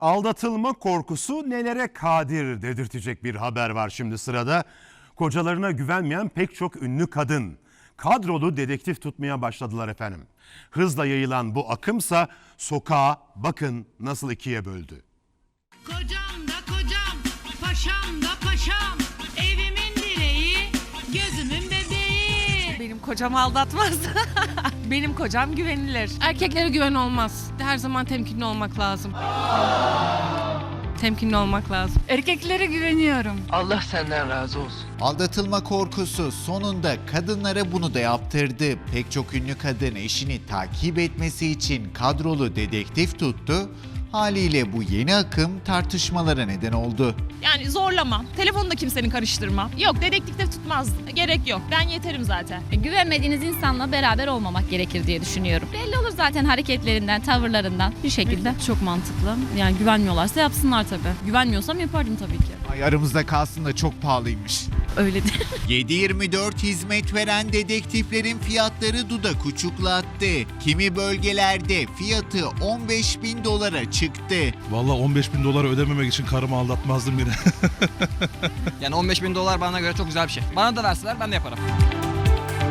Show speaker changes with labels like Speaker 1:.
Speaker 1: Aldatılma korkusu nelere kadir dedirtecek bir haber var şimdi sırada. Kocalarına güvenmeyen pek çok ünlü kadın kadrolu dedektif tutmaya başladılar efendim. Hızla yayılan bu akımsa sokağı bakın nasıl ikiye böldü.
Speaker 2: Kocam da kocam, paşam da paşam, evimin direği, gözümün bebeği.
Speaker 3: Benim kocam aldatmaz. Benim kocam güvenilir.
Speaker 4: Erkeklere güven olmaz. Her zaman temkinli olmak lazım. Temkinli olmak lazım.
Speaker 3: Erkeklere güveniyorum.
Speaker 5: Allah senden razı olsun.
Speaker 6: Aldatılma korkusu sonunda kadınlara bunu da yaptırdı. Pek çok ünlü kadın eşini takip etmesi için kadrolu dedektif tuttu. Haliyle bu yeni akım tartışmalara neden oldu.
Speaker 7: Yani zorlama, telefonu da kimsenin karıştırma. Yok, dedektif tutmaz, gerek yok. Ben yeterim zaten.
Speaker 8: Güvenmediğiniz insanla beraber olmamak gerekir diye düşünüyorum. Belli olur zaten hareketlerinden, tavırlarından bir şekilde.
Speaker 9: Çok mantıklı. Yani güvenmiyorlarsa yapsınlar tabii. Güvenmiyorsam yapardım tabii ki.
Speaker 6: Ay aramızda kalsın da çok pahalıymış.
Speaker 9: Öyle değil.
Speaker 6: 7/24 hizmet veren dedektiflerin fiyatları dudak uçuklattı. Kimi bölgelerde fiyatı $15.000 çıktı.
Speaker 10: Vallahi $15.000 ödememek için karımı aldatmazdım yine.
Speaker 5: Yani $15.000 bana göre çok güzel bir şey. Bana da verseler ben de yaparım.